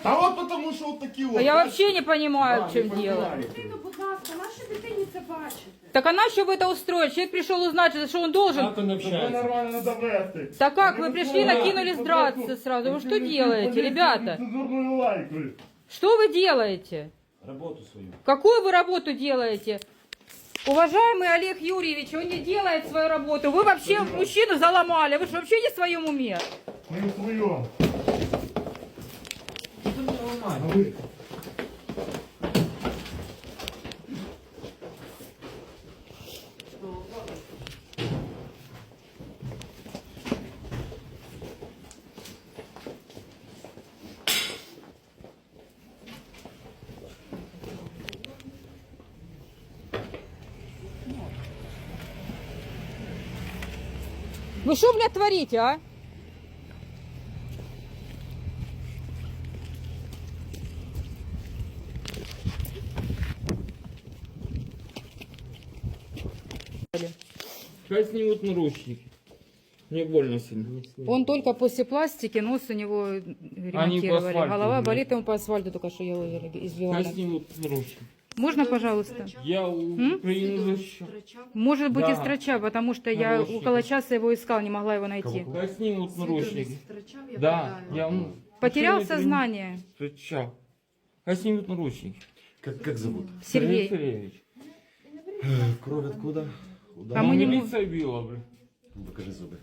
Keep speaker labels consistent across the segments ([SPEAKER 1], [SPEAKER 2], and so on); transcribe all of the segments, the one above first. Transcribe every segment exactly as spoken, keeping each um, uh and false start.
[SPEAKER 1] А вот потому что вот такие вот.
[SPEAKER 2] А я вообще не понимаю,
[SPEAKER 1] Да,
[SPEAKER 2] в чем
[SPEAKER 1] не
[SPEAKER 2] дело.
[SPEAKER 1] понимаю.
[SPEAKER 3] Дитину, будь ласка, наші дитині це бачите.
[SPEAKER 2] Так а на что вы это устроили? Человек пришел узнать, что он должен.
[SPEAKER 4] Как он
[SPEAKER 1] Чтобы
[SPEAKER 4] общается?
[SPEAKER 1] нормально довести.
[SPEAKER 2] Так как,
[SPEAKER 1] А
[SPEAKER 2] вы
[SPEAKER 1] не
[SPEAKER 2] пришли,
[SPEAKER 1] вот так.
[SPEAKER 2] накинулись драться сразу. Вы что делаете, ребята?
[SPEAKER 1] Цензурную лайку.
[SPEAKER 2] Что вы делаете?
[SPEAKER 4] Работу свою.
[SPEAKER 2] Какую вы работу делаете? Уважаемый Олег Юрьевич, он не делает свою работу. Вы вообще мужчину заломали. Вы что, вообще не в своем уме?
[SPEAKER 1] Мы в своем.
[SPEAKER 4] Нормально.
[SPEAKER 1] А вы?
[SPEAKER 2] Вы что, блядь, творите, а?
[SPEAKER 4] Сейчас снимут наручники. Мне больно сильно.
[SPEAKER 2] Он только после пластики, нос у него ремонтировали.
[SPEAKER 4] асфальту
[SPEAKER 2] Голова
[SPEAKER 4] были.
[SPEAKER 2] болит, ему по асфальту только что его избивали.
[SPEAKER 4] Сейчас снимут наручники.
[SPEAKER 2] Можно, пожалуйста?
[SPEAKER 4] Я у Украины защищу.
[SPEAKER 2] Может быть,
[SPEAKER 4] Да.
[SPEAKER 2] и строча, потому что я
[SPEAKER 4] Наручники.
[SPEAKER 2] около часа его искал, не могла его найти.
[SPEAKER 4] Сейчас снимут наручники.
[SPEAKER 3] Втрачав, я
[SPEAKER 4] Да,
[SPEAKER 3] питаю.
[SPEAKER 4] я ну,
[SPEAKER 2] Потерял
[SPEAKER 4] машину
[SPEAKER 2] сознание.
[SPEAKER 4] Встречал. Сейчас снимут наручники.
[SPEAKER 1] Как, как зовут?
[SPEAKER 2] Сергей.
[SPEAKER 4] Сергеевич.
[SPEAKER 1] Кровь откуда?
[SPEAKER 2] А мы не мо-
[SPEAKER 4] Милиция била, блин.
[SPEAKER 1] Покажи зубы.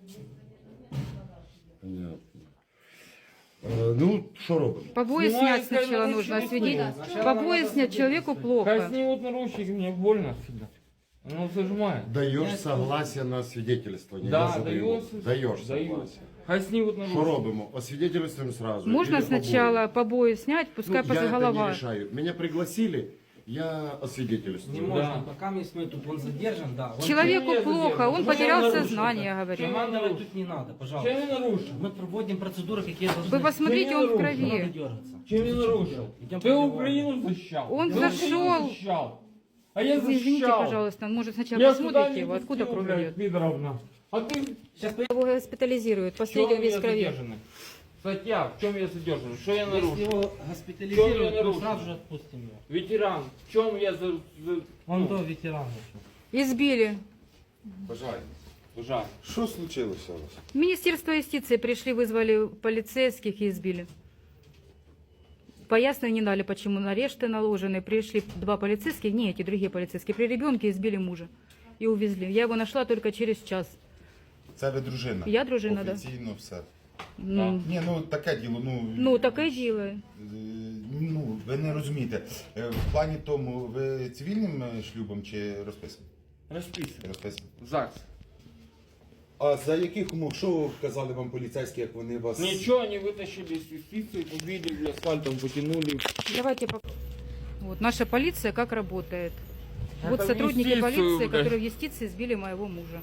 [SPEAKER 1] Понятно. Е, Ну, що робимо?
[SPEAKER 2] Побои
[SPEAKER 4] Снимаю,
[SPEAKER 2] снять сначала
[SPEAKER 4] скажем,
[SPEAKER 2] нужно,
[SPEAKER 4] наручники
[SPEAKER 2] освидеть.
[SPEAKER 4] снимут.
[SPEAKER 2] Побои снять человеку
[SPEAKER 4] Сейчас
[SPEAKER 2] плохо.
[SPEAKER 4] снимут наручники, мне больно всегда. Оно зажимает.
[SPEAKER 1] Даєш согласие на свидетельствование?
[SPEAKER 4] Да,
[SPEAKER 1] Я задаю.
[SPEAKER 4] даю.
[SPEAKER 1] Даєш
[SPEAKER 4] Даю.
[SPEAKER 1] согласие.
[SPEAKER 4] Хай снимут
[SPEAKER 1] Що
[SPEAKER 4] наручники.
[SPEAKER 1] робимо? Освидетельствуємо сразу.
[SPEAKER 2] Можно
[SPEAKER 1] Или побої?
[SPEAKER 2] сначала побои снять,
[SPEAKER 1] Ну,
[SPEAKER 2] пускай
[SPEAKER 1] я
[SPEAKER 2] после
[SPEAKER 1] это не
[SPEAKER 2] голова.
[SPEAKER 1] решаю. Меня пригласили, я
[SPEAKER 5] Не
[SPEAKER 1] освидетельствую.
[SPEAKER 5] можно, пока мы тут, он задержан, да. Он
[SPEAKER 2] Человеку
[SPEAKER 4] Чем я
[SPEAKER 2] плохо,
[SPEAKER 4] задержан?
[SPEAKER 2] он
[SPEAKER 4] Чем
[SPEAKER 2] потерял
[SPEAKER 4] я нарушил?
[SPEAKER 2] сознание, говорит.
[SPEAKER 5] Командовать тут не надо, пожалуйста.
[SPEAKER 4] Чем я нарушил?
[SPEAKER 5] Мы проводим процедуры, какие должны.
[SPEAKER 2] Вы посмотрите,
[SPEAKER 4] Чем я
[SPEAKER 2] он в
[SPEAKER 4] нарушил?
[SPEAKER 5] Не надо
[SPEAKER 2] крови.
[SPEAKER 5] дергаться.
[SPEAKER 4] Чем я нарушил?
[SPEAKER 5] Идем
[SPEAKER 4] Ты
[SPEAKER 5] по
[SPEAKER 4] Украину защищал.
[SPEAKER 2] Он
[SPEAKER 4] Ты
[SPEAKER 2] зашел.
[SPEAKER 4] Украину защищал. А я защищал.
[SPEAKER 2] Извините, пожалуйста, может сначала
[SPEAKER 4] Я
[SPEAKER 2] посмотрите
[SPEAKER 4] сюда
[SPEAKER 2] его,
[SPEAKER 4] не
[SPEAKER 2] откуда
[SPEAKER 4] пустил,
[SPEAKER 2] кровь
[SPEAKER 4] блядь,
[SPEAKER 2] идет.
[SPEAKER 4] пидоровна. А ты
[SPEAKER 5] Сейчас
[SPEAKER 2] Его госпитализируют,
[SPEAKER 4] в чем
[SPEAKER 2] последний весь
[SPEAKER 4] я
[SPEAKER 2] в крови.
[SPEAKER 4] задержанный? Статья, в чем я задержан? Что я
[SPEAKER 5] если
[SPEAKER 4] нарушил?
[SPEAKER 5] его
[SPEAKER 4] Чё я
[SPEAKER 5] госпитализируют, мы
[SPEAKER 4] нарушил?
[SPEAKER 5] сразу же отпустим его.
[SPEAKER 4] Ветеран, в чем я за... за...
[SPEAKER 5] Он
[SPEAKER 4] ну,
[SPEAKER 5] до ветерана.
[SPEAKER 2] Избили.
[SPEAKER 1] Бажаю.
[SPEAKER 4] Жаль.
[SPEAKER 1] Що случилося у вас?
[SPEAKER 2] В Министерство юстиции пришли, вызвали полицейских и избили. Пояснения не дали, почему арешты наложены. Пришли два полицейских, не эти, другие полицейские, при ребенке избили мужа и увезли. Я его нашла только через час.
[SPEAKER 6] Це ви дружина?
[SPEAKER 2] Я дружина, да.
[SPEAKER 6] Офіційно все.
[SPEAKER 2] Ну,
[SPEAKER 6] Ні, ну таке діло, ну...
[SPEAKER 2] ну таке діло.
[SPEAKER 6] е, Ну, ви не розумієте. Е, В плані тому, ви цивільним е, шлюбом чи розписаним?
[SPEAKER 4] Расписан.
[SPEAKER 6] Розписаним.
[SPEAKER 4] ЗАГС.
[SPEAKER 6] А за яких умов, що казали вам поліцейські, як вони вас...
[SPEAKER 4] Ничего, они вытащили с юстиции, побили, асфальтом потянули.
[SPEAKER 2] Давайте пок- Вот наша полиция как работает. Вот
[SPEAKER 4] Это в
[SPEAKER 2] сотрудники
[SPEAKER 4] юстицию,
[SPEAKER 2] полиции,
[SPEAKER 4] блядь.
[SPEAKER 2] которые в юстиции сбили моего мужа.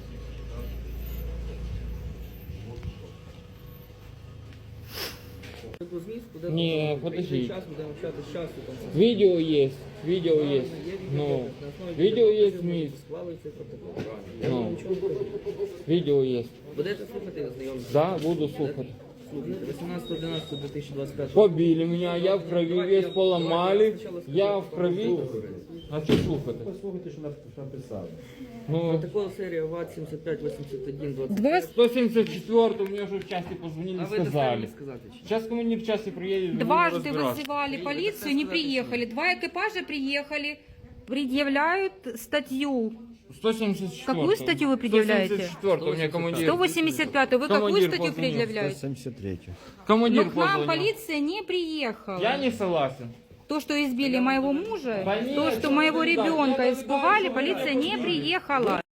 [SPEAKER 4] Не, подожди. Видео есть, видео есть. Ну, видео есть, мисс. Ну, видео есть.
[SPEAKER 7] Будете слухати ознайомитися?
[SPEAKER 4] Да, буду слухать.
[SPEAKER 7] вісімнадцятого одинадцятого дві тисячі двадцять п'ятого.
[SPEAKER 4] Побили меня, я в крови весь поломали, я в крови. А что слухать?
[SPEAKER 1] Послухайте, що написали.
[SPEAKER 4] Ну,
[SPEAKER 7] Протокол серія ВАТ сімдесят п'ять вісімдесят один двадцять.
[SPEAKER 2] Два,
[SPEAKER 4] сто семьдесят четвёртый, мне уже в части позвонили,
[SPEAKER 7] А ви доставили
[SPEAKER 4] сказали.
[SPEAKER 7] сказати чи?
[SPEAKER 4] Сейчас командир в части приедет. будем
[SPEAKER 2] дважды
[SPEAKER 4] разбираться.
[SPEAKER 2] вызывали полицию, не приехали. Два экипажа приехали, предъявляют статью.
[SPEAKER 4] сто семьдесят четвёртый.
[SPEAKER 2] Какую статью вы предъявляете?
[SPEAKER 4] сто семьдесят четвёртый, у меня командир.
[SPEAKER 2] сто восемьдесят пятую. Вы какую
[SPEAKER 4] Командир
[SPEAKER 2] статью
[SPEAKER 4] позвонил.
[SPEAKER 2] предъявляете?
[SPEAKER 1] семьдесят третю.
[SPEAKER 4] Командир
[SPEAKER 2] Но к нам
[SPEAKER 4] позвонил.
[SPEAKER 2] полиция не приехала.
[SPEAKER 4] Я не согласен.
[SPEAKER 2] То, что избили моего мужа,
[SPEAKER 4] Конечно,
[SPEAKER 2] то, что моего
[SPEAKER 4] да,
[SPEAKER 2] ребенка
[SPEAKER 4] я
[SPEAKER 2] испугали,
[SPEAKER 4] ожидаю,
[SPEAKER 2] полиция
[SPEAKER 4] что
[SPEAKER 2] не
[SPEAKER 4] меня
[SPEAKER 2] приехала.